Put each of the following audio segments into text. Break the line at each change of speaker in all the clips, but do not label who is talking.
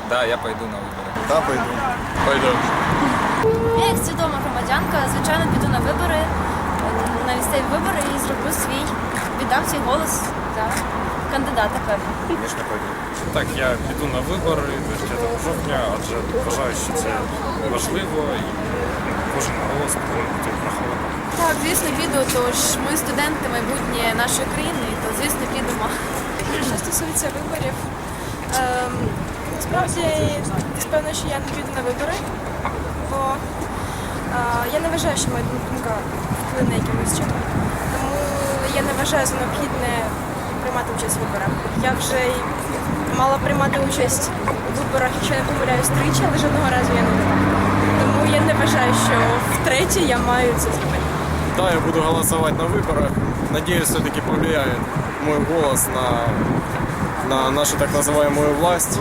Да, я пойду на выборы.
Да, пойду.
Пойду.
Я як свідома громадянка, звичайно, піду на вибори, на місцеві вибори і зроблю віддам свій голос за кандидата певно.
Конечно, пойду.
Так, я піду на вибори 25 жовтня, адже вважаю, що це важливо і кожен голос повинен бути врахований.
Так, звісно, піду, тож ми студенти, майбутнє нашої країни, то звісно підемо. Що стосується виборів, справді певно, що я не піду на вибори, бо я не вважаю, що моя думка вплине якимось чином. Тому я не вважаю за необхідне приймати участь в виборах. Я вже й мала приймати участь у виборах, якщо я не помиляюсь, тричі, але жодного разу я не була. Тому я не вважаю, що втретє я маю це зробити.
Да, я буду голосовать на выборах. Надеюсь, все-таки повлияет мой голос на нашу так называемую власть,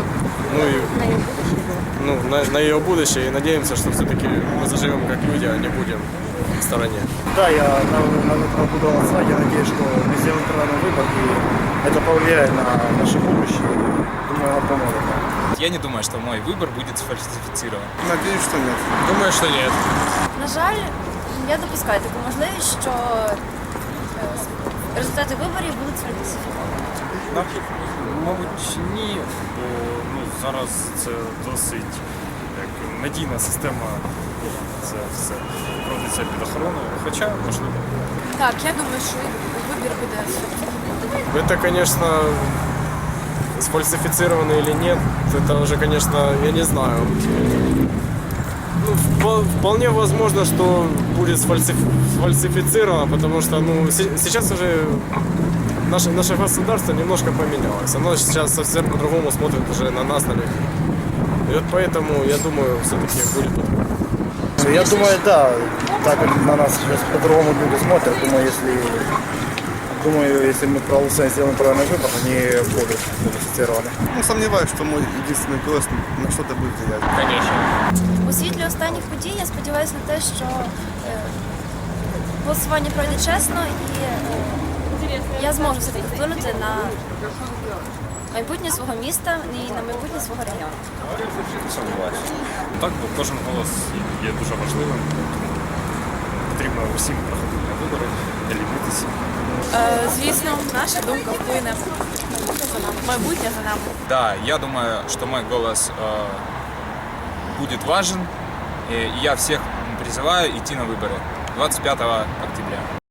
на ее будущее. И надеемся, что все-таки мы заживем как люди, а не будем в стороне.
Да, я на выборах буду голосовать. Я надеюсь, что мы сделаем правильный выбор, и это повлияет на наше будущее. Думаю, оно поможет.
Я не думаю, что мой выбор будет сфальсифицирован.
Надеюсь, что нет.
Думаю, что нет.
На жаль, я допускаю таку можливість, що результати виборів будуть сфальсифіковані.
Мабуть, ні, бо зараз це досить надійна система, це все проводиться під охороною, хоча можливо.
Так, я думаю, що вибір буде сфальсифікований.
Это, конечно, сфальсифицировано или нет, это уже, конечно, я не знаю. Вполне возможно, что будет сфальсифицировано, потому что сейчас уже наше государство немножко поменялось. Оно сейчас совсем по-другому смотрит уже на нас, на людей. И вот поэтому, я думаю, все-таки будет по-другому.
Я думаю, да, так как на нас сейчас по-другому люди смотрят, думаю, если мы проголосуем, сделаем правильный выбор, они будут модифицированы.
Сомневаюсь, что мой единственный голос на что-то будет влиять.
Конечно.
У світлі останніх подій я сподіваюся на те, що голосування пройде чесно і я зможу все-таки вплинути на майбутнє свого міста і на майбутнє свого регіону.
Сумніваюся. Так, бо кожен голос є дуже важливим, тому потрібно усім проходити на вибори, не лінитися.
Звісно, наша думка вплине. Майбутнє за нами.
Да, я думаю, что мой голос будет важен. И я всех призываю идти на выборы 25 октября.